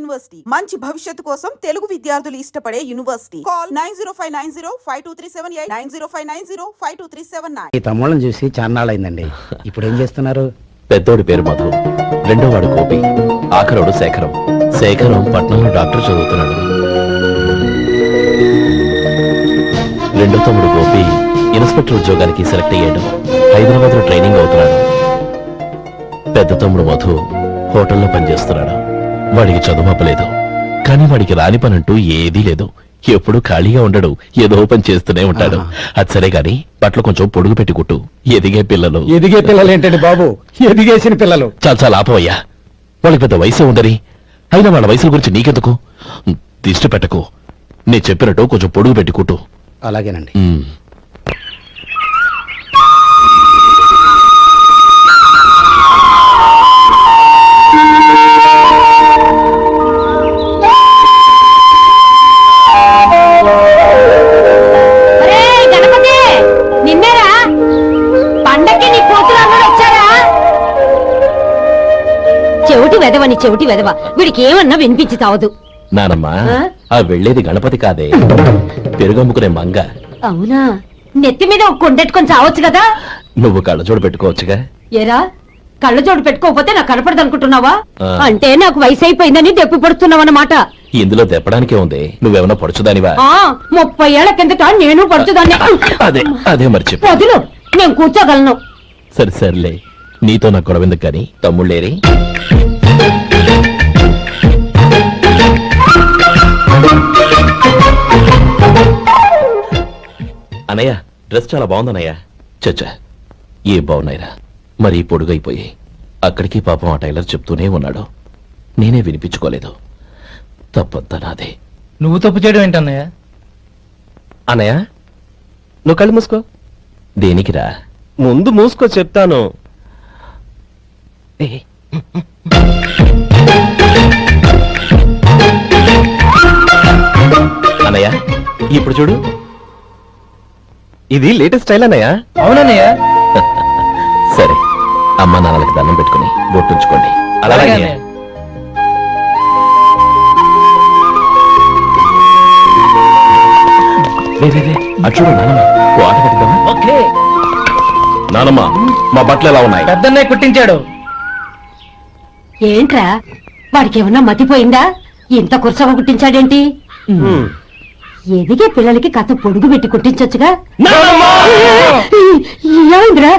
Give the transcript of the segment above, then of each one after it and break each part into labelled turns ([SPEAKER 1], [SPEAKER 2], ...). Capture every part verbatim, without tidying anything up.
[SPEAKER 1] University మంచి భవిష్యత్తు కోసం తెలుగు విద్యార్థులు ఇష్టపడే university. Call nine zero five nine zero five two three seven eight nine zero five nine zero five two three seven nine.
[SPEAKER 2] ఈ తమ్ముళ్ళని చూసి చాన్నాళ్ళైందండి. ఇప్పుడు ఏం చేస్తున్నారు?
[SPEAKER 3] పెద్దోడి పేరు మధు, రెండో వాడు గోపి, ఆఖరోడు శేఖరం. శేఖరం పట్నంలో డాక్టర్ చదువుతున్నాడు. రెండో తమ్ముడు గోపి ఇన్స్పెక్టర్ ఉద్యోగానికి సెలెక్ట్ అయ్యాడు. హైదరాబాద్ లో ట్రైనింగ్ అవుతున్నాడు. పెద్ద తమ్ముడు మధు హోటల్లో పనిచేస్తున్నాడు. వాడికి చదువుపలేదు, కానీ వాడికి రాని పనంటూ ఏదీ లేదు. ఎప్పుడు ఖాళీగా ఉండడు, ఏదో పని చేస్తూనే ఉంటాడు. అది సరే గాని బట్టలు కొంచెం పొడుగు పెట్టి కుట్టు. ఎదిగే పిల్లలు
[SPEAKER 2] ఎదిగే పిల్లలు ఏంటండి బాబు, ఎదిగేసిన పిల్లలు.
[SPEAKER 3] చాలా చాలా ఆపవయ్యా, వాళ్ళకి పెద్ద వయసే ఉందని. అయినా వాళ్ళ వయసుల గురించి నీకెందుకు? దిష్టి పెట్టకు. నేను చెప్పినట్టు కొంచెం పొడుగు పెట్టి కుట్టు.
[SPEAKER 2] అలాగేనండి.
[SPEAKER 4] చెవిటి వెదవని చెవిటి వెదవ, వీడికి ఏమన్నా వినిపించి తావదు.
[SPEAKER 3] నానమ్మా, ఆ వెళ్లేది గణపతి కాదే, పెరుగమ్ముకునే మంగ.
[SPEAKER 4] అవునా? నెత్తి మీద ఒక కొండెట్టుకొని చావచ్చు కదా.
[SPEAKER 3] నువ్వు కళ్ళజోడు పెట్టుకోవచ్చుగా.
[SPEAKER 4] ఏరా, కళ్ళజోడు పెట్టుకోకపోతే నాకు కనపడదు అనుకుంటున్నావా? అంటే నాకు వయసు అయిపోయిందని దెప్పి పడుతున్నావు అన్నమాట.
[SPEAKER 3] ఇందులో దెప్పడానికే ఉంది. నువ్వేమన్నా పడుచుదానివా?
[SPEAKER 4] ముప్పై ఏళ్ల కిందట నేను పడుచుదాన్ని.
[SPEAKER 3] అదే అదే మర్చి
[SPEAKER 4] వదులు, నేను కూర్చోగలను.
[SPEAKER 3] సరే సర్లే, నీతో నాకు గొడవ ఎందుకు కానీ. తమ్ముళ్ళేరి? అనయ్య, డ్రెస్ చాలా బాగుందన్నయ్య. చచ్చా, ఏ బాగున్నాయిరా, మరీ పొడుగైపోయి. అక్కడికి పాపం ఆ టైలర్ చెప్తూనే ఉన్నాడు, నేనే వినిపించుకోలేదు. తప్పంతా నాదే.
[SPEAKER 5] నువ్వు తప్పు చేయడం ఏంటన్నయ్య?
[SPEAKER 3] అన్నయ్య, నువ్వు కళ్ళు మూసుకో. దేనికిరా?
[SPEAKER 6] ముందు మూసుకో చెప్తాను.
[SPEAKER 3] అన్నయ్య, ఇప్పుడు చూడు.
[SPEAKER 6] ఇది లేటెస్ట్ స్టైల్ అన్నయ్య.
[SPEAKER 5] అవునన్నయ్య.
[SPEAKER 3] సరే, అమ్మ నాన్నలకి దండం పెట్టుకుని బొట్టుంచుకోండి. అలాగే. అచ్చుడు నానమ్మ, ఓ ఆట కట్టిద్దామా?
[SPEAKER 5] ఓకే.
[SPEAKER 3] నానమ్మ, మా బట్టలు ఎలా ఉన్నాయి?
[SPEAKER 5] పెద్దన్నయ్య కుట్టించాడు.
[SPEAKER 4] ఏంట్రా, వాడికి ఏమన్నా మతిపోయిందా? ఇంత కుర్చగా కుట్టించాడేంటి? ఎదిగే పిల్లలకి కథ పొడుగు పెట్టి కుట్టించొచ్చుగా. ఏమైందిరా?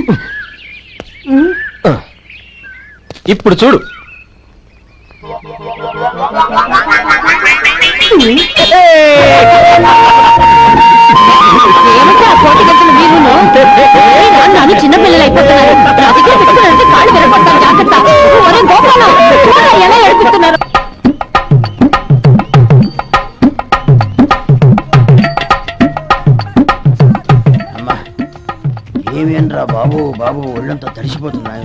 [SPEAKER 6] ఇప్పుడు చూడు.
[SPEAKER 4] నన్ను చిన్నపిల్లలు అయిపోతున్నారు. కాళ్ళు వినపడతాను, జాగ్రత్త. ఒరే గోపాలం, ఎలా ఏడిపిస్తున్నారు?
[SPEAKER 2] అమ్మా, ఏమేనరా బాబు, బాబు ఒళ్ళంతా తడిసిపోతున్నాయి.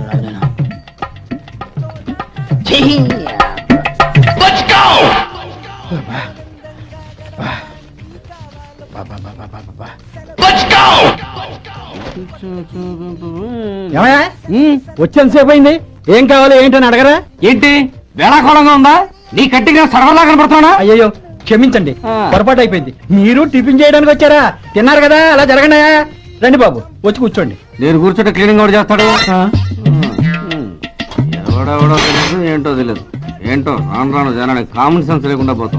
[SPEAKER 2] వచ్చేంతసేపు అయింది, ఏం కావాలి ఏంటని అడగరా?
[SPEAKER 5] ఏంటి వేళాకోళంగా ఉందా? నీ కట్టిగా సర్వలా కనపడుతున్నా?
[SPEAKER 2] అయ్యో క్షమించండి, పొరపాటు అయిపోయింది. మీరు టిఫిన్ చేయడానికి వచ్చారా? తిన్నారు కదా, అలా జరగండియా. రండి బాబు, వచ్చి కూర్చోండి.
[SPEAKER 5] నేను కూర్చుంటే క్లీనింగ్ కూడా చేస్తాడు. ఎవడెవడో తెలియదు, ఏంటో తెలియదు. ఏంటో రాను రాను జనానికి కామన్ సెన్స్ లేకుండా పోతాం.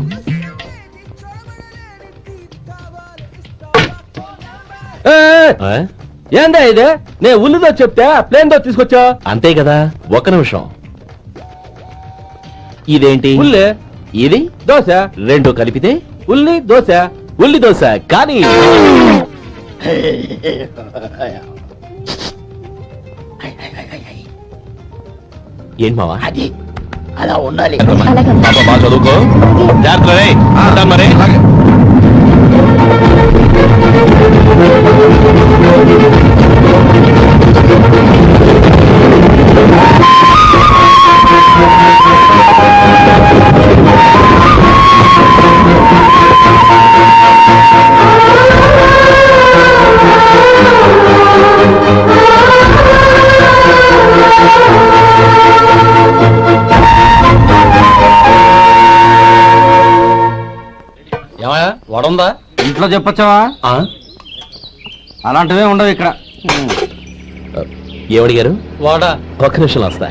[SPEAKER 6] ఏందా ఇదే? నేను ఉల్లిదో చెప్తే ప్లేన్ దో తీసుకొచ్చా.
[SPEAKER 3] అంతే కదా. ఒక్క నిమిషం. ఇదేంటి?
[SPEAKER 6] ఉల్లి.
[SPEAKER 3] ఇది
[SPEAKER 6] దోశ.
[SPEAKER 3] రెండు కలిపితే
[SPEAKER 6] ఉల్లి దోశ.
[SPEAKER 3] ఉల్లి దోశ. కానీ ఏంటి మావా?
[SPEAKER 2] అది అలా ఉండాలి.
[SPEAKER 3] బాగా చదువుకో, జాగ్రత్త. మరి
[SPEAKER 5] వడుందా ఇంట్లో చెప్పొచ్చావా అలాంటివే ఉండవు ఇక్కడ.
[SPEAKER 3] ఏమడిగారు?
[SPEAKER 2] వాడా
[SPEAKER 3] ఒక్క నిమిషం వస్తా.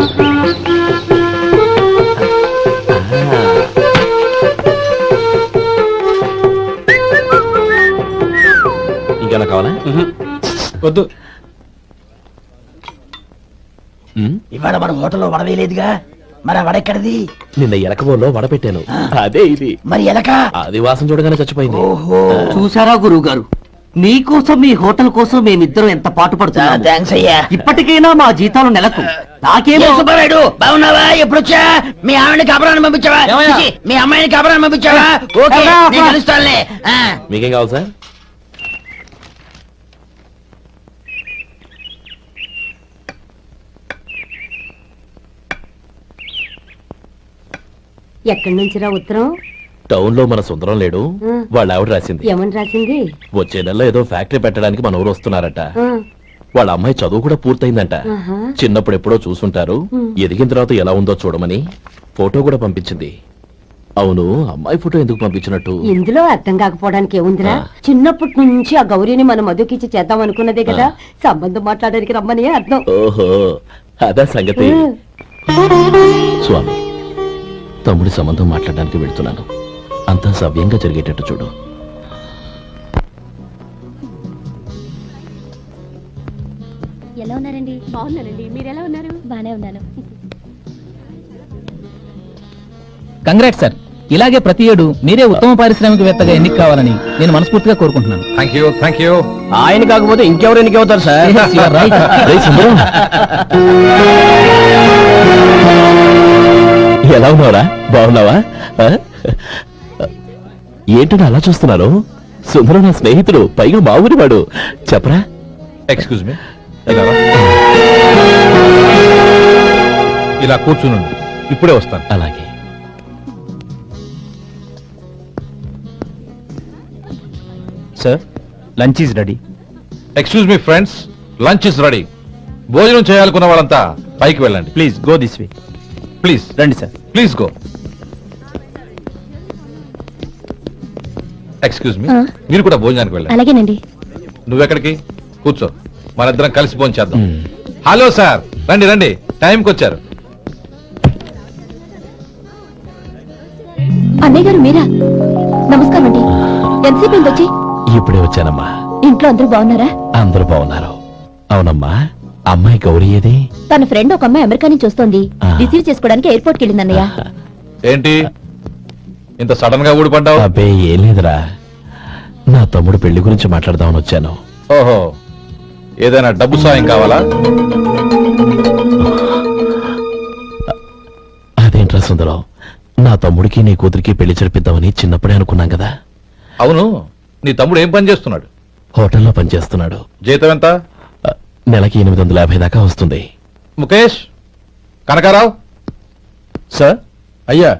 [SPEAKER 3] ఇంకేనా కావాలా?
[SPEAKER 2] వద్దు.
[SPEAKER 3] ఉమ్,
[SPEAKER 7] ఇవాళ మన హోటల్లో వడవేయలేదుగా, మరి ఆ వడ ఎక్కడిది?
[SPEAKER 3] నిన్న ఎలకబోలో వడపెట్టాను. అదే ఇది.
[SPEAKER 7] మరి ఎలక?
[SPEAKER 3] అది వాసన చూడగానే చచ్చిపోయింది.
[SPEAKER 7] ఓహో,
[SPEAKER 8] చూసారా గురువు గారు, మీకోసం మీ హోటల్ కోసం మేమిద్దరం ఎంత పాటు పడుతున్నాము.
[SPEAKER 7] థ్యాంక్స్ అయ్యా.
[SPEAKER 8] ఇప్పటికైనా మా జీతాలు నెలకు నాకేమో.
[SPEAKER 7] ఏ సుబ్బారాయుడు, బాగున్నావా? ఎప్పుడొచ్చా? మీ ఆవిడని కబరాన్ని పంపించావా?
[SPEAKER 2] ఏమయ్యా?
[SPEAKER 7] చిచి, మీ అమ్మాయిని కబరాన్ని పంపించావా? ఓకే,
[SPEAKER 8] అబ్బా, అబ్బా.
[SPEAKER 7] నేను కలుస్తానులే. ఆ.
[SPEAKER 3] మీకేం కావాలి సార్?
[SPEAKER 4] ఎక్కడి నుంచిరా ఉత్తరం?
[SPEAKER 3] టౌన్ లో మన సుందరం లేడు,
[SPEAKER 4] ఆ.
[SPEAKER 3] వాళ్ళ ఆవిడ రాసింది.
[SPEAKER 4] ఏమని రాసింది?
[SPEAKER 3] వచ్చే నెలలో ఏదో ఫ్యాక్టరీ పెట్టడానికి మన ఊరు వస్తున్నారట.
[SPEAKER 4] ఆ,
[SPEAKER 3] వాళ్ళ అమ్మాయి చదువు కూడా పూర్తయిందంట.
[SPEAKER 4] ఆహా.
[SPEAKER 3] చిన్నప్పుడు ఎప్పుడో చూసుంటారు, ఎదిగిన తర్వాత ఎలా ఉందో చూడమని ఫోటో కూడా పంపించింది. అవును, అమ్మాయి ఫోటో ఎందుకు పంపించినట్టు?
[SPEAKER 4] ఇందులో అర్థం కాకపోవడానికి ఏముందిరా? చిన్నప్పటి నుంచి ఆ గౌరీని మన మధుకిచ్చి చేద్దాం అనుకున్నదే కదా, సంబంధం మాట్లాడడానికి రమ్మని అర్థం.
[SPEAKER 3] ఓహో, అదా సంగతి. స్వామి, తమ్ముడి సంబంధం మాట్లాడడానికి వెళ్తున్నాను. అంతా సవ్యంగా జరిగేటట్టు చూడు.
[SPEAKER 9] ఎలా ఉన్నారండి? బాగున్నానండి. మీరు ఎలా ఉన్నారు? బానే ఉన్నాను.
[SPEAKER 2] Congrat sir. ఇలాగే ప్రతి ఏడు మీరే ఉత్తమ పారిశ్రామికవేత్తగా ఎన్నిక కావాలని నేను మనస్ఫూర్తిగా కోరుకుంటున్నాను.
[SPEAKER 6] Thank you thank you.
[SPEAKER 2] ఆయన కాకపోతే ఇంకెవరు ఎన్నిక అవుతారు సార్?
[SPEAKER 3] రేయ్ సుందరం, ఎలా ఉన్నావురా? బాగున్నావా? ఆ? ఏంటని అలా చూస్తున్నారు? సుందరం నా స్నేహితుడు, పైగా మా ఊరి వాడు. చెప్పరా?
[SPEAKER 6] ఎక్స్క్యూజ్ మీ, ఇలా కూర్చునుండు, ఇప్పుడే వస్తాను.
[SPEAKER 3] అలాగే.
[SPEAKER 2] Sir, lunch is ready.
[SPEAKER 6] Excuse me friends, lunch is ready. భోజనం చేయాలనుకున్న వాళ్ళంతా పైకి వెళ్ళండి.
[SPEAKER 2] Please go this way.
[SPEAKER 6] Please
[SPEAKER 2] రండి sir.
[SPEAKER 6] Please go. Excuse me,
[SPEAKER 9] ఆ.
[SPEAKER 6] మీరు కూడా భోజనానికి వెళ్ళండి.
[SPEAKER 9] అలాగేనండి.
[SPEAKER 6] నువ్వెక్కడికి? కూర్చో, మనిద్దరం కలిసి భోజనం చేద్దాం.
[SPEAKER 3] మ్.
[SPEAKER 6] హలో సార్, రండి రండి, టైంకి వచ్చారు.
[SPEAKER 9] అన్నయ్య గారు మీరా? నమస్కారం అండి. ఎంతసేపు అయింది వచ్చి?
[SPEAKER 3] ఇప్పుడే వచ్చానమ్మా.
[SPEAKER 9] ఇంట్లో అందరూ బాగున్నారా?
[SPEAKER 3] అందరూ బాగున్నారు. అవునమ్మా, అమ్మాయి గౌరీ ఏది?
[SPEAKER 9] తన ఫ్రెండ్ ఒక అమ్మాయి అమెరికా నుంచి వస్తోంది.
[SPEAKER 3] ఆ.
[SPEAKER 9] రిసీవ్ చేసుకోవడానికి ఎయిర్పోర్ట్ కి వెళ్ళింది అన్నయ్య.
[SPEAKER 6] ఏంటి ఇంత సడన్ గా ఊడిపడ్డావు?
[SPEAKER 3] అబ్బే ఏం లేదురా, నా తమ్ముడు పెళ్లి గురించి మాట్లాడదామని వచ్చాను.
[SPEAKER 6] ఓహో, ఏదైనా డబ్బు సాయం కావాలా?
[SPEAKER 3] అదేంట్రా సుందరం, నా తమ్ముడికి నీ కూతురికి పెళ్లి జరిపిద్దామని చిన్నప్పుడే అనుకున్నాం కదా.
[SPEAKER 6] అవును, నీ తమ్ముడు ఏం పని చేస్తున్నాడు?
[SPEAKER 3] హోటల్లో పనిచేస్తున్నాడు.
[SPEAKER 6] జీతం ఎంత?
[SPEAKER 3] ఆ, నెలకి ఎనిమిది వందల యాభై దాకా వస్తుంది.
[SPEAKER 6] ముఖేష్, కనకారావు.
[SPEAKER 2] సార్.
[SPEAKER 6] అయ్యా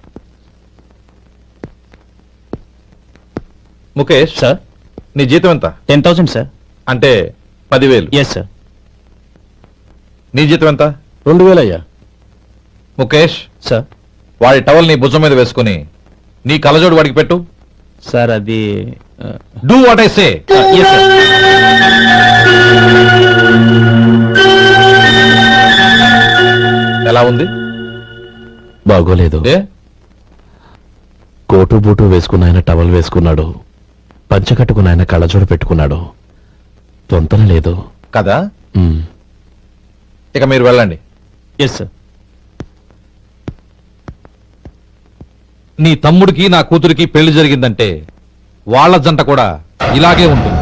[SPEAKER 6] ముఖేష్,
[SPEAKER 2] సార్.
[SPEAKER 6] నీ జీతం ఎంత?
[SPEAKER 2] Ten thousand sir.
[SPEAKER 6] అంటే పదివేలు.
[SPEAKER 2] Yes sir.
[SPEAKER 6] నీ జీతం ఎంత?
[SPEAKER 2] రెండు వేలు అయ్యా.
[SPEAKER 6] ముఖేష్,
[SPEAKER 2] సార్.
[SPEAKER 6] వాడి టవల్ నీ భుజం మీద వేసుకుని నీ కలజోడు వాడికి పెట్టు.
[SPEAKER 2] సార్ అది
[SPEAKER 6] do what I say.
[SPEAKER 2] Yes sir.
[SPEAKER 6] ఎలా ఉంది?
[SPEAKER 3] బాగోలేదు.
[SPEAKER 6] ఏ?
[SPEAKER 3] కోటు బూటు వేసుకున్న ఆయన టవల్ వేసుకున్నాడు, పంచ కట్టుకున్న ఆయన కళ్ళజోడు పెట్టుకున్నాడు. పొంతన లేదు
[SPEAKER 6] కదా?
[SPEAKER 3] ఉమ్.
[SPEAKER 6] ఇక మీరు వెళ్ళండి.
[SPEAKER 2] Yes sir.
[SPEAKER 6] నీ తమ్ముడికి నా కూతురికి పెళ్లి జరిగిందంటే వాళ్ళ జంట కూడా ఇలాగే ఉంటుంది.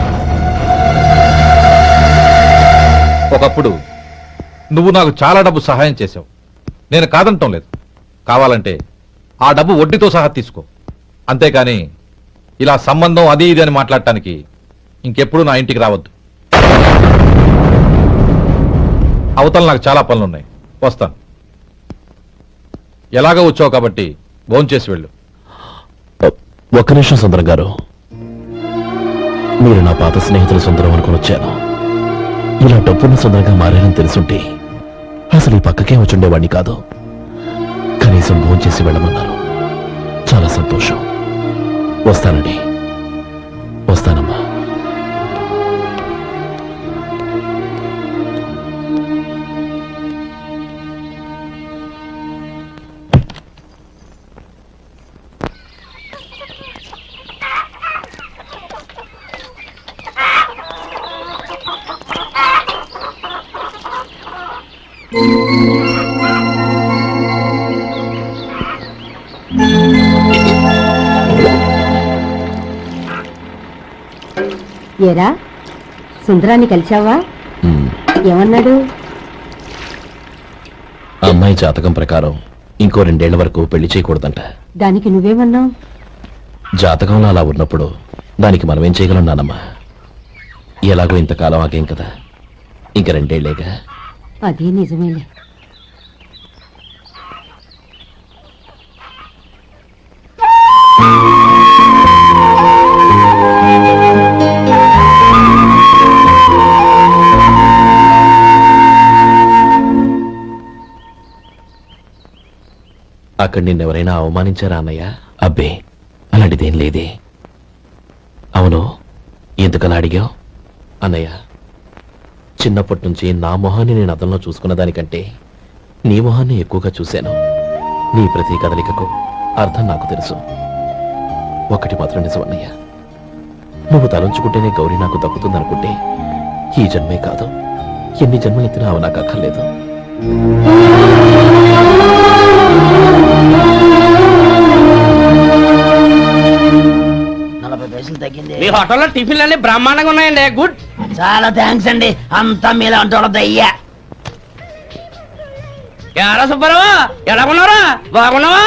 [SPEAKER 6] ఒకప్పుడు నువ్వు నాకు చాలా డబ్బు సహాయం చేశావు, నేను కాదంటం లేదు. కావాలంటే ఆ డబ్బు వడ్డీతో సహా తీసుకో. అంతేకాని ఇలా సంబంధం అది ఇది అని మాట్లాడటానికి ఇంకెప్పుడు నా ఇంటికి రావద్దు. అవతల నాకు చాలా పనులున్నాయి, వస్తాను. ఎలాగో వచ్చావు కాబట్టి భోంచేసి వెళ్ళు.
[SPEAKER 3] ఒక్క నిమిషం సుందరం గారు, మీరు నా పాత స్నేహితుల సుందరం అనుకుని వచ్చాను. ఇలా డబ్బున్న సుందరంగా మారారని తెలుసుంటే అసలు ఈ పక్కకే వచ్చుండేవాడిని కాదు. కనీసం భోంచేసి వెళ్ళమన్నారు, చాలా సంతోషం. వస్తానండి, వస్తానమ్మా.
[SPEAKER 4] ఏరా సుందరాన్ని కలిశావా?
[SPEAKER 3] ఉమ్,
[SPEAKER 4] ఏమన్నాడు?
[SPEAKER 3] అమ్మాయి జాతకం ప్రకారం ఇంకో రెండేళ్ల వరకు పెళ్లి చేయకూడదంట.
[SPEAKER 4] దానికి నువ్వేమన్నావు?
[SPEAKER 3] జాతకంలో అలా ఉన్నప్పుడు దానికి మనం ఏం చేయగలం నానమ్మా? ఎలాగో ఇంతకాలం ఆగేం కదా, ఇంక రెండేళ్లేగా.
[SPEAKER 4] అది నిజమేలే.
[SPEAKER 3] అక్కడ నిన్నెవరైనా అవమానించారా అన్నయ్య? అబ్బే, అలాంటిదేం లేదే. అవును, ఎందుకలా అడిగావు? అన్నయ్య, చిన్నప్పటి నుంచి నా మొహాన్ని నేను అతనిలో చూసుకున్న దానికంటే నీ మొహాన్ని ఎక్కువగా చూశాను. నీ ప్రతి కదలికకు అర్థం నాకు తెలుసు. ఒకటి మాత్రం నిజం అన్నయ్య, నువ్వు తలంచుకుంటేనే గౌరీ నాకు దక్కుతుందనుకుంటే ఈ జన్మే కాదు, ఎన్ని జన్మలెత్తినా అవి నాకు అక్కర్లేదు.
[SPEAKER 7] నలభై పైసలు తగ్గింది.
[SPEAKER 8] మీ హోటల్లో టిఫిన్లు అన్ని బ్రహ్మాండంగా ఉన్నాయండి. గుడ్.
[SPEAKER 7] చాలా థ్యాంక్స్ అండి, అంతా మీలా అంటే అయ్యా.
[SPEAKER 8] ఎలా సుబ్బారావు, ఎలా ఉన్నారా? బాగున్నావా?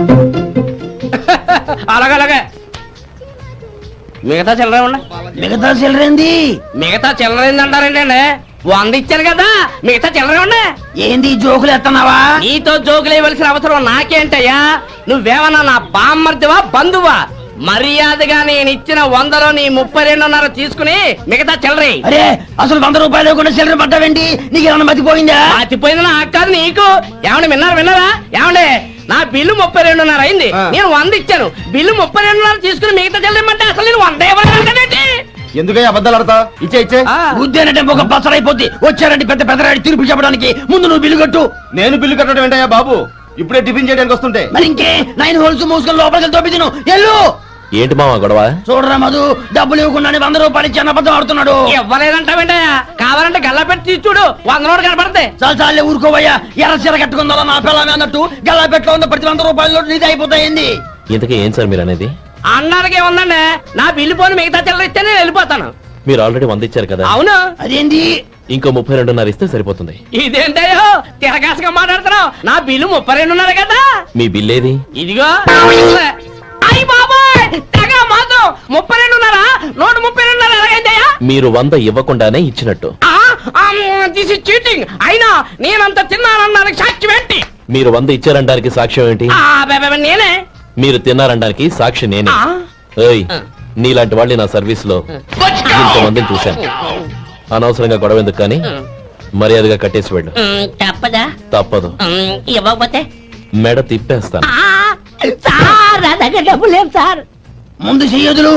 [SPEAKER 8] అలాగే అలాగే. మిగతా చిల్లర ఉన్నాయి.
[SPEAKER 7] మిగతా చిల్లరేంది?
[SPEAKER 8] మిగతా చిల్లర ఏందంటారండి అండి? వంద ఇచ్చాను కదా, మిగతా చిల్లర ఉన్నాయి.
[SPEAKER 7] ఏంది జోకులు ఎత్తన్నావా?
[SPEAKER 8] నీతో జోకులు ఇవ్వాల్సిన అవసరం నాకేంటయ్యా? నువ్వేమన్నా నా బామ్మర్దివా బంధువా? మర్యాదగా నేను ఇచ్చిన వందలో నీ ముప్పై రెండున్నర తీసుకుని మిగతా చిల్లరి.
[SPEAKER 7] అరే, అసలు వంద రూపాయలు కూడా చిల్లర పట్టావేంటి? నీకేమన్నా మతిపోయిందా?
[SPEAKER 8] మర్చిపోయింది నాకు కాదు, నీకు. ఏమండి విన్నారా విన్నారా? ఏమండి, నా బిల్లు ముప్పై రెండున్నర అయింది, నేను వంద ఇచ్చాను. బిల్లు ముప్పై రెండున్నర తీసుకుని మిగతా చిల్లరమంటే అసలు నేను వంద ఇవ్వాలంటే
[SPEAKER 5] ఎందుకయ్యా అబద్ధాలు ఆడతా? ఇచ్చే ఇచ్చే.
[SPEAKER 7] ఉద్యానంటే ఒక పసరైపోద్ది. వచ్చారంటే పెద్ద పెద్దరాడి తీర్పు చెప్పడానికి ముందు నువ్వు బిల్లు కట్టు.
[SPEAKER 5] నేను బిల్లు కట్టడం ఏంటయ్యా బాబు? ఇప్పుడే టిఫిన్ చేయడానికి వస్తుంటే.
[SPEAKER 7] మరి ఇంకే నైన్ హోల్స్ మూసుకొని లోపలికి తోపి తిను. ఎల్లు.
[SPEAKER 3] ఏంటి మావా గొడవ?
[SPEAKER 7] చూడరా మధు, డబ్బులు ఇవ్వకుండానే వంద రూపాయలు ఇచ్చి అబద్ధం ఆడుతున్నాడు.
[SPEAKER 8] ఇవ్వలేదంటావేంటయ్యా? కావాలంటే గల్లా పెట్టి తీసి చూడు, వంద నోటు కనపడతాయి.
[SPEAKER 7] చాలా చాలే ఊరుకోవయ్యా. ఎర్ర చీర కట్టుకుందా నా పిల్లమే అన్నట్టు గల్లా పెట్టులో ఉన్న ప్రతి వంద రూపాయలు నీది అయిపోతాయింది.
[SPEAKER 3] ఇంతకీ ఏం సార్ మీరు అనేది?
[SPEAKER 8] అన్నానికి ఏముందండి, నా బిల్లు పోని మిగతా చిల్లర ఇస్తే నేను వెళ్ళిపోతాను.
[SPEAKER 3] మీరు ఆల్రెడీ వంద ఇచ్చారు కదా.
[SPEAKER 8] అవును.
[SPEAKER 7] అదేంటి?
[SPEAKER 3] ఇంకో ముప్పై రెండున్నర ఇస్తే సరిపోతుంది.
[SPEAKER 8] ఇదేంటయ్యో తిరగాసుగా మాట్లాడుతున్నావు? నా బిల్లు ముప్పై రెండున్నర కదా.
[SPEAKER 3] మీ బిల్ ఏది?
[SPEAKER 8] ఇదిగో. అయ్యి బాబాయ్, తెగ మాత్రం ముప్పై రెండున్నర నూట ముప్పై రెండున్నర ఎలాగైందయ్యా?
[SPEAKER 3] మీరు వంద ఇవ్వకుండానే ఇచ్చినట్టు.
[SPEAKER 8] This is cheating. అయినా నేనంత తిన్నానన్నానికి సాక్ష్యం ఏంటి?
[SPEAKER 3] మీరు వంద ఇచ్చారనడానికి సాక్ష్యం ఏంటి?
[SPEAKER 8] ఆ, బె- బె- నేనే.
[SPEAKER 3] మీరు తిన్నారనడానికి సాక్షి నేనే.
[SPEAKER 8] ఆ?
[SPEAKER 3] ఏయ్, నీలాంటి వాళ్ళని నా సర్వీస్ లో ఇంతమందిని చూశాను. అనవసరంగా గొడవ ఎందుకు కానీ మర్యాదగా కట్టేసి వెళ్ళు.
[SPEAKER 8] ఉమ్, తప్పదా?
[SPEAKER 3] తప్పదు.
[SPEAKER 8] ఉమ్, ఇవ్వకపోతే
[SPEAKER 3] మెడ తిప్పేస్తాను.
[SPEAKER 8] ఆ, సార్ నా దగ్గర డబ్బు లేవు సార్.
[SPEAKER 7] ముందు చెయ్యదులు.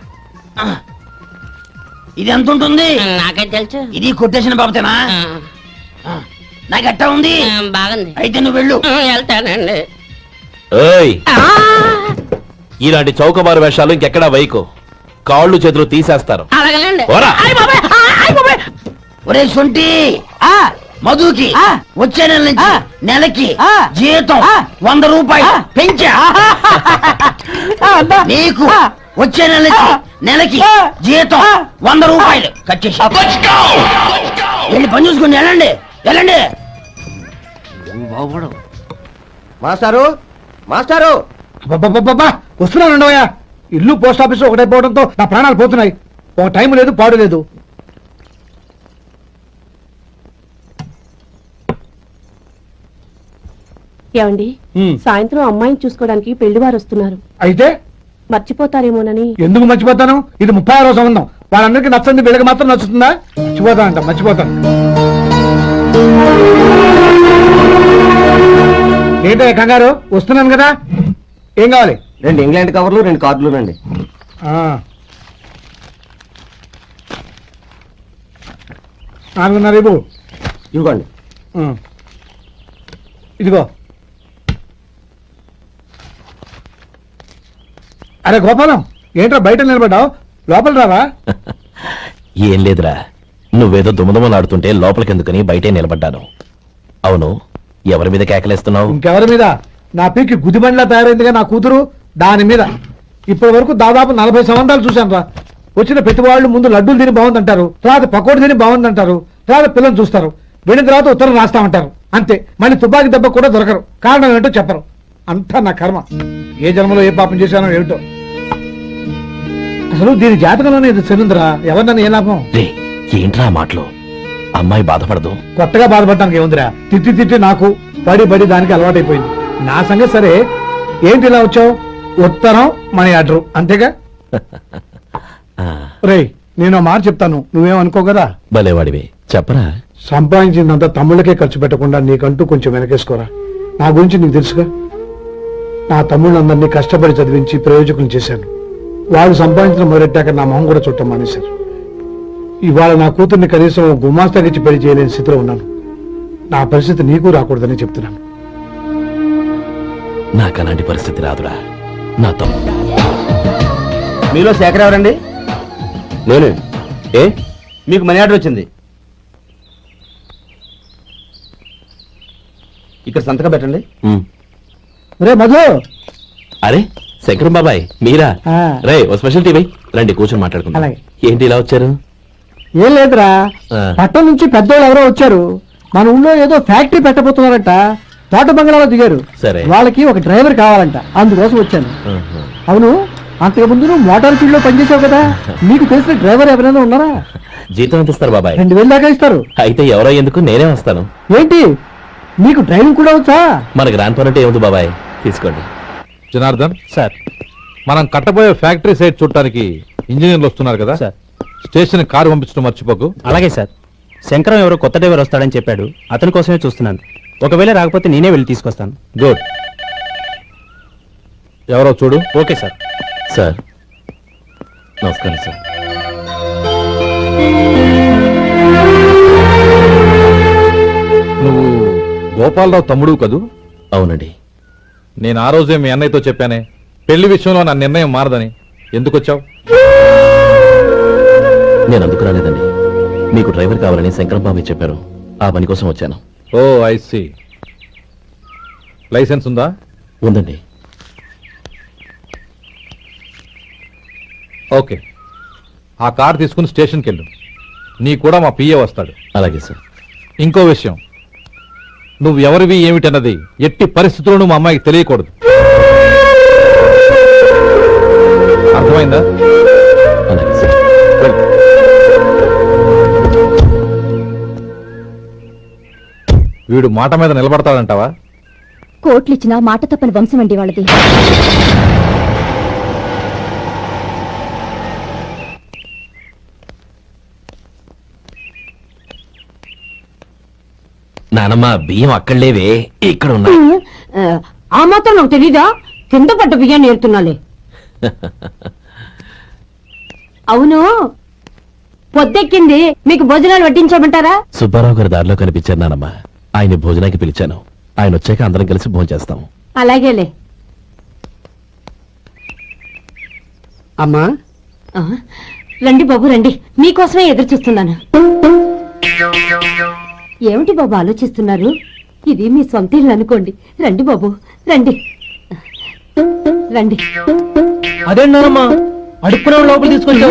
[SPEAKER 7] ఇది ఎంత ఉంటుంది?
[SPEAKER 8] నాకేం తెలుసు.
[SPEAKER 7] ఇది కొట్టేసిన బాబతేనా? నాకు అట్టా ఉంది.
[SPEAKER 8] బాగుంది.
[SPEAKER 7] అయితే నువ్వు వెళ్ళు.
[SPEAKER 8] వెళ్తానండి.
[SPEAKER 3] ఏయ్, ఇలాంటి చౌకబారు వేషాలు ఇంకెక్కడా వైకు. కాళ్ళు చేతులు తీసేస్తారు.
[SPEAKER 8] అలాగేనండి.
[SPEAKER 3] పోరా.
[SPEAKER 7] ఒరే సొంటి, మధుకి వచ్చే నెల నుంచి నెలకి జీతం వంద రూపాయలు పెంచా. నీకు వచ్చే నెల నుంచి నెలకి జీతం వంద రూపాయలు కట్ చేసి వెళ్ళి పని చూసుకుని వెళ్ళండి వెళ్ళండి.
[SPEAKER 5] మాస్టారు మాస్టారు
[SPEAKER 2] అబ్బబ్బబ్బబ్బా, వస్తున్నాను ఉండవయ్యా. ఇల్లు పోస్ట్ ఆఫీస్ ఒకటైపోవడంతో నా ప్రాణాలు పోతున్నాయి. ఒక టైం లేదు, పాడు లేదు.
[SPEAKER 9] ఏమండి, సాయంత్రం అమ్మాయిని చూసుకోవడానికి పెళ్లి వారు వస్తున్నారు.
[SPEAKER 2] అయితే
[SPEAKER 9] మర్చిపోతారేమోనని.
[SPEAKER 2] ఎందుకు మర్చిపోతాను? ఇది ముప్పై ఆరో సంబంధం. వాళ్ళందరికీ నచ్చంది, వీళ్ళకి మాత్రం నచ్చుతుందా? మర్చిపోతానంట, మర్చిపోతాను. ఏంటో కంగారు? వస్తున్నాను కదా. ఏం కావాలి?
[SPEAKER 5] రెండు ఇంగ్లాండ్ కవర్లు రెండు కార్డులు రండి.
[SPEAKER 2] నాలుగున్నర రేపు
[SPEAKER 5] ఇవ్వండి.
[SPEAKER 2] ఇదిగో. అరే గోపాలం, ఏంట్రా బయట నిలబడ్డావు? లోపల రావా?
[SPEAKER 3] ఏం లేదురా, నువ్వేదో దుమదుమలాడుతుంటే లోపలికెందుకని బయటే నిలబడ్డాను. అవును, ఎవరి మీద కేకలేస్తున్నావు?
[SPEAKER 2] ఇంకెవరి మీద? నా పీకి గుదిబండ్లా తయారైందిగా నా కూతురు, దాని మీద. ఇప్పటి వరకు దాదాపు నలభై సంవత్సరాలు చూశాను రా. వచ్చిన ప్రతి వాళ్ళు ముందు లడ్డూలు తిని బాగుందంటారు, తర్వాత పకోడి తిని బాగుందంటారు, తర్వాత పిల్లలు చూస్తారు, వెళ్ళిన తర్వాత ఉత్తరం రాస్తామంటారు. అంతే, మళ్ళీ తుపాకి దెబ్బ కూడా దొరకరు. కారణం ఏంటో చెప్పరు. అంతా నా కర్మ. ఏ జన్మలో ఏ పాపం చేశానో ఏమిటో. అసలు దీని జాతకంలోనే ఇది చెందిందిరా. ఎవరినన్నా ఏ లాభం?
[SPEAKER 3] రే, ఏంట్రా ఆ మాటలు? అమ్మాయి బాధపడదు.
[SPEAKER 2] కొత్తగా బాధపడటానికి ఏముందిరా? తిట్టి తిట్టి నాకు పడి పడి దానికి అలవాటైపోయింది. నా సంగతి సరే, ఏంటి ఇలా వచ్చావు? ఉత్తరం మనీ ఆర్డర్ అంతేగా?
[SPEAKER 3] ఆ,
[SPEAKER 2] రేయ్, నేను ఆ మాట చెప్తాను, నువ్వేమనుకో కదా.
[SPEAKER 3] భలేవాడివి, చెప్పరా.
[SPEAKER 2] సంపాదించిందంతా తమ్ముళ్ళకే ఖర్చు పెట్టకుండా నీకంటూ కొంచెం వెనకేసుకోరా. నా గురించి నీకు తెలుసుగా. నా తమ్ముళ్ళందరినీ కష్టపడి చదివించి ప్రయోజకులు చేశాను. వాళ్ళు సంపాదించిన మొదలెట్టాక నా మొహం కూడా చుట్టం మానేశారు. ఇవాళ నా కూతుర్ని కనీసం గుమాస్తాకిచ్చి పెళ్లి చేయలేని స్థితిలో ఉన్నాను. నా పరిస్థితి నీకు రాకూడదని చెప్తున్నాను.
[SPEAKER 3] నాకు అలాంటి పరిస్థితి రాదురా. నా తమ్ముడు
[SPEAKER 5] మీలో శేఖర్ ఎవరండి? నేను. ఏ మీకు మనీ ఆర్డర్ వచ్చింది, ఇక్కడ సంతకం పెట్టండి.
[SPEAKER 3] ఉమ్.
[SPEAKER 2] రే మధు.
[SPEAKER 3] అరే శంకరం బాబాయ్, మీరా?
[SPEAKER 2] ఆ.
[SPEAKER 3] రే, ఓ స్పెషల్ టీవీ రండి, కూర్చొని మాట్లాడుకుందాం.
[SPEAKER 2] అలాగే.
[SPEAKER 3] ఏంటి ఇలా వచ్చారు?
[SPEAKER 2] ఏం లేదురా,
[SPEAKER 3] ఆ.
[SPEAKER 2] పట్టణం నుంచి పెద్దోళ్ళు ఎవరో వచ్చారు. మన ఊళ్ళో ఏదో ఫ్యాక్టరీ పెట్టబోతున్నారంట. తోట బంగ్లాలో దిగారు.
[SPEAKER 3] సరే.
[SPEAKER 2] వాళ్ళకి ఒక డ్రైవర్ కావాలంట, అందుకోసం వచ్చాను.
[SPEAKER 3] ఆహా.
[SPEAKER 2] అవును, అంతకు ముందు నువ్వు మోటార్ ఫీల్డ్ లో పనిచేసావు కదా, నీకు తెలిసిన డ్రైవర్ ఎవరైనా ఉన్నారా?
[SPEAKER 3] జీతం ఎంత ఇస్తారు బాబాయ్?
[SPEAKER 2] రెండు వేలు దాకా ఇస్తారు.
[SPEAKER 3] అయితే ఎవరో ఎందుకు, నేనే వస్తాను.
[SPEAKER 2] ఏంటి, నీకు డ్రైవింగ్ కూడా వచ్చా?
[SPEAKER 3] మన గ్రాండ్ పర్ అంటే ఏముంది బాబాయ్, తీసుకోండి.
[SPEAKER 6] జనార్దన్,
[SPEAKER 3] సార్.
[SPEAKER 6] మనం కట్టబోయే ఫ్యాక్టరీ సైట్ చూడటానికి ఇంజనీర్లు వస్తున్నారు కదా
[SPEAKER 3] సార్.
[SPEAKER 6] స్టేషన్ కారు పంపించడం మర్చిపోకు.
[SPEAKER 10] అలాగే సార్. శంకరం ఎవరో కొత్త డ్రైవర్ వస్తాడని చెప్పాడు, అతని కోసమే చూస్తున్నాను. ఒకవేళ రాకపోతే నేనే వెళ్ళి తీసుకొస్తాను.
[SPEAKER 6] గుడ్. ఎవరో చూడు.
[SPEAKER 10] Okay sir.
[SPEAKER 3] సార్ నమస్కారం సార్.
[SPEAKER 6] నువ్వు గోపాలరావు తమ్ముడు కదూ?
[SPEAKER 3] అవునండి.
[SPEAKER 6] నేను ఆ రోజే మీ అన్నయ్యతో చెప్పానే, పెళ్లి విషయంలో నా నిర్ణయం మారదని. ఎందుకు వచ్చావు?
[SPEAKER 3] నేను అందుకు రాలేదండి, మీకు డ్రైవర్ కావాలని శంకరం బాబాయ్ చెప్పారు, ఆ పని కోసం వచ్చాను.
[SPEAKER 6] ఓ ఐ సీ. లైసెన్స్ ఉందా?
[SPEAKER 3] ఉందండి.
[SPEAKER 6] ఓకే, ఆ కార్ తీసుకుని స్టేషన్కి వెళ్ళు. నీ కూడా మా పిఏ వస్తాడు.
[SPEAKER 3] అలాగే సార్.
[SPEAKER 6] ఇంకో విషయం, నువ్వు ఎవరివి ఏమిటన్నది ఎట్టి పరిస్థితుల్లోనూ మా అమ్మాయికి తెలియకూడదు. అర్థమైందా?
[SPEAKER 3] అలాగే సార్.
[SPEAKER 6] వెళ్ళు. వీడు మాట మీద నిలబడతాడంటావా?
[SPEAKER 9] కోట్లు ఇచ్చిన మాట తప్పని వంశం అండి వాళ్ళది.
[SPEAKER 3] నానమ్మ, బియ్యం అక్కడ లేవే, ఇక్కడ ఉన్నాయి.
[SPEAKER 4] ఆ, ఆ మాత్రం నాకు తెలీదా? కింద పడ్డ బియ్యాన్ని ఏరుతున్నాలే. అవును, పొద్దెక్కింది, మీకు భోజనాలు వడ్డించమంటారా?
[SPEAKER 3] సుబ్బారావు గారి దారిలో కనిపించారు నానమ్మ, ఆయన భోజనానికి పిలిచాను. ఆయన వచ్చాక అందరం కలిసి భోజనం చేస్తాం.
[SPEAKER 4] అలాగేలే.
[SPEAKER 2] అమ్మా,
[SPEAKER 4] ఆ, రండి బాబు రండి, మీకోసమే ఎదురు చూస్తున్నాను. ఏమిటి బాబు ఆలోచిస్తున్నారు? ఇది మీ సొంత ఇల్లు అనుకోండి. రండి బాబు రండి రండి.
[SPEAKER 2] అదేంటమ్మా అడుక్కునే లోపల తీసుకొచ్చావు?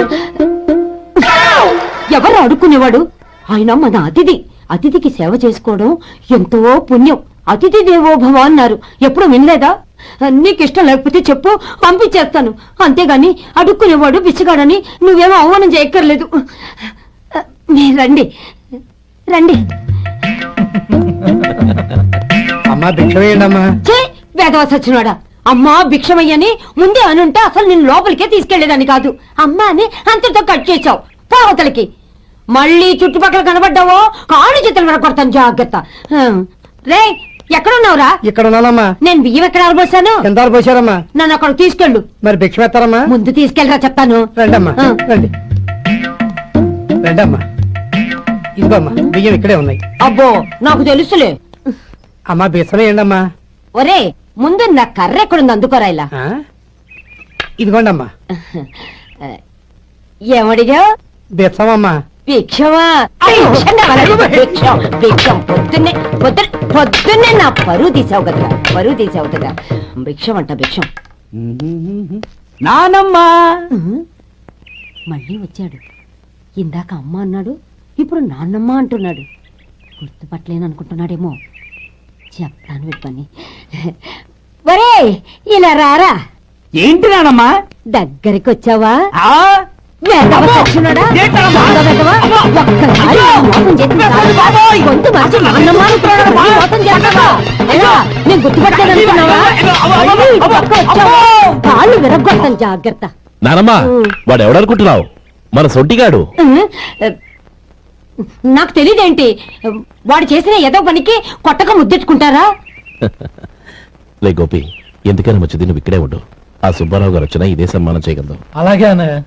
[SPEAKER 4] ఎవరు అడుక్కునేవాడు? ఆయన మన అతిథి. అతిథికి సేవ చేసుకోవడం ఎంతో పుణ్యం. అతిథి దేవో భవ అన్నారు, ఎప్పుడు వినలేదా? నీకు ఇష్టం లేకపోతే చెప్పు, పంపించేస్తాను. అంతేగాని అడుక్కునేవాడు బిచ్చగాడని నువ్వేమో అవమానం చేయక్కర్లేదు. మీరు రండి రండి.
[SPEAKER 2] అమ్మా భిక్షమేయండమ్మా.
[SPEAKER 4] చే వేదవ సచ్చినోడా, అమ్మా భిక్షమయ్యని ముందే అనుంటే అసలు నిన్ను లోపలికే తీసుకెళ్లేదని కాదు. అమ్మా అని అంతటితో కట్ చేశావు. పావతలకి మళ్ళీ చుట్టుపక్కల కనబడ్డావో కాళ్ళు చేతులు వినకొడతాను, జాగ్రత్త. రే ఎక్కడున్నావురా?
[SPEAKER 7] ఇక్కడ ఉన్నానమ్మా.
[SPEAKER 4] నేను బియ్యం ఎక్కడ ఆరబోసాను?
[SPEAKER 7] ఎంత పోసారమ్మా?
[SPEAKER 4] నన్ను అక్కడ తీసుకెళ్ళు.
[SPEAKER 7] మరి భిక్ష పెడతారమ్మా?
[SPEAKER 4] ముందు తీసుకెళ్ళరా చెప్తాను.
[SPEAKER 7] రండమ్మా
[SPEAKER 4] ఆ.
[SPEAKER 7] రండి రండమ్మా. ఇదిగోమ్మా బియ్యం ఇక్కడే ఉన్నాయి.
[SPEAKER 4] అబ్బో నాకు తెలుసులే.
[SPEAKER 7] అమ్మా బిచ్చమే ఏండమ్మా.
[SPEAKER 4] ఒరే ముందు నా కర్ర ఎక్కడుంది అందుకోరా ఇలా.
[SPEAKER 7] ఆ? ఇదిగోండమ్మా.
[SPEAKER 4] ఏమడిగా?
[SPEAKER 7] బిచ్చమమ్మా.
[SPEAKER 4] భిక్షమా? భిక్షం కావాలా? భిక్షం భిక్షం పొద్దున్నే పొద్దున్న పొద్దున్నే నా పరువు తీసావు కదరా, పరువు తీసావు కదా. భిక్షం అంట భిక్షం.
[SPEAKER 7] నానమ్మా.
[SPEAKER 4] మళ్ళీ వచ్చాడు. ఇందాక అమ్మ అన్నాడు, ఇప్పుడు నాన్నమ్మ అంటున్నాడు. గుర్తుపట్టలేను అనుకుంటున్నాడేమో. చెప్తాను విప్పని. ఒరే ఇలా రారా.
[SPEAKER 7] ఏంటి నానమ్మా?
[SPEAKER 4] దగ్గరికి వచ్చావా? వెధవ సచ్చినోడా? దొంగ వెధవ. ఒక్కసారి ఈ మోసం చేసిన చాలు. గొంతు మార్చి నాన్నమ్మ అనుకున్నాడు, మళ్ళీ మోసం చేస్తావా? ఎలా? నేను గుర్తుపట్టలేదు అనుకున్నావా? మళ్ళీ ఇటు పక్క వచ్చావా? కాళ్ళు విరగ్గొడతాను, జాగ్రత్త.
[SPEAKER 3] నానమ్మా వాడు ఎవడనుకుంటున్నావు? మన సొంటిగాడు.
[SPEAKER 4] నాకు తెలియదేంటి, వాడు చేసిన ఏదో పనికి కొట్టక ముద్దెట్టుకుంటారా?
[SPEAKER 3] లే గోపి, ఎందుకైనా మంచిది నువ్వు ఇక్కడే ఉండు. ఆ సుబ్బారావు గారు వచ్చినా ఇదే సన్మానం చేయగలదు.
[SPEAKER 2] అలాగే అన్నయ్య.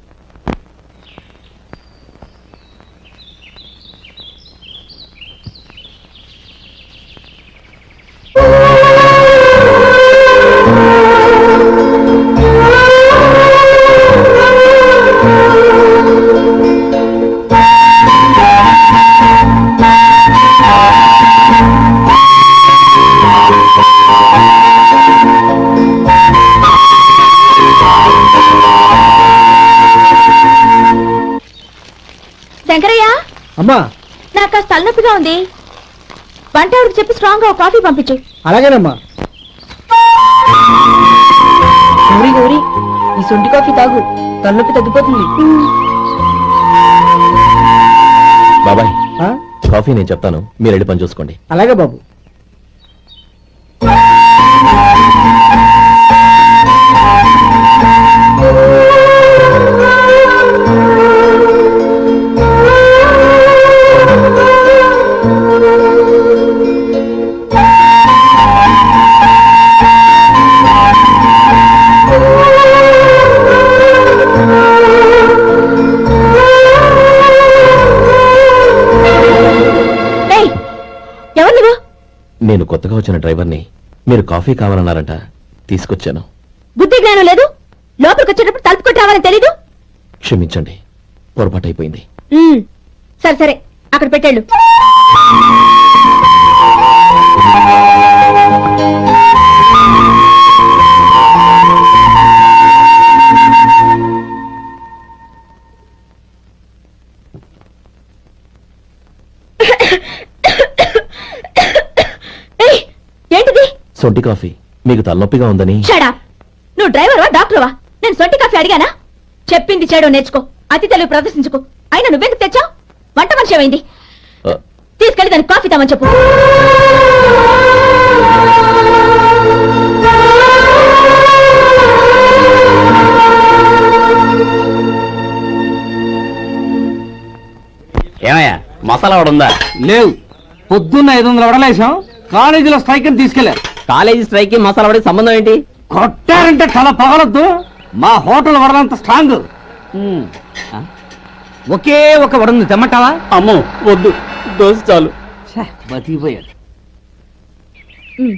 [SPEAKER 9] శంకరయ్య,
[SPEAKER 2] అమ్మా.
[SPEAKER 9] నాకు కాస్త తలనొప్పిగా ఉంది. వంట ఆవిడకి చెప్పి స్ట్రాంగ్ గా కాఫీ పంపించు.
[SPEAKER 2] అలాగేనమ్మా.
[SPEAKER 9] గౌరీ గౌరీ, ఈ సొంటి కాఫీ తాగు, తలనొప్పి తగ్గిపోతుంది.
[SPEAKER 3] బాబాయ్
[SPEAKER 2] ఆ?
[SPEAKER 3] కాఫీ నేను చెప్తాను, మీరు వెళ్ళి పని చూసుకోండి.
[SPEAKER 2] అలాగే బాబు.
[SPEAKER 9] ఎవరు నువ్వు?
[SPEAKER 3] నేను కొత్తగా వచ్చిన డ్రైవర్ని. మీరు కాఫీ కావాలన్నారంట, తీసుకొచ్చాను.
[SPEAKER 9] బుద్ధి జ్ఞానం లేదు. లోపలికి వచ్చేటప్పుడు తలుపు కొట్టి రావాలని తెలీదు.
[SPEAKER 3] క్షమించండి, పొరపాటు అయిపోయింది.
[SPEAKER 9] ఉమ్, సరే సరే అక్కడ పెట్టాడు. ఏంటిది?
[SPEAKER 3] సొంటి కాఫీ. మీకు తలనొప్పిగా ఉందని.
[SPEAKER 9] షడా, నువ్వు డ్రైవర్వా డాక్టర్వా? నేను సొంటి కాఫీ అడిగానా? చెప్పింది చేయడం నేర్చుకో, అతి తెలివి ప్రదర్శించుకో. అయినా నువ్వెందుకు తెచ్చావు? వంట మనిషి ఏమైంది?
[SPEAKER 3] ఆ,
[SPEAKER 9] తీసుకెళ్ళి దానికి కాఫీ తామని చెప్పు.
[SPEAKER 5] ఏమయ్యా మసాలా వాడు ఉందా?
[SPEAKER 7] లేవు. పొద్దున్న ఐదు వందల వడలేసాం, కాలేజీలో స్ట్రైక్ అని తీసుకెళ్లారు.
[SPEAKER 5] కాలేజీ స్ట్రైక్ కి మసాలా వాడికి సంబంధం ఏంటి?
[SPEAKER 7] కొట్టారంటే తల పగలొద్దు. మా హోటల్ వడలంత స్ట్రాంగ్. ఒకే ఒక వడుంది, తెమ్మంటావా?
[SPEAKER 5] అమ్మో వద్దు, దోశ చాలు.
[SPEAKER 7] బతికిపోయాడు.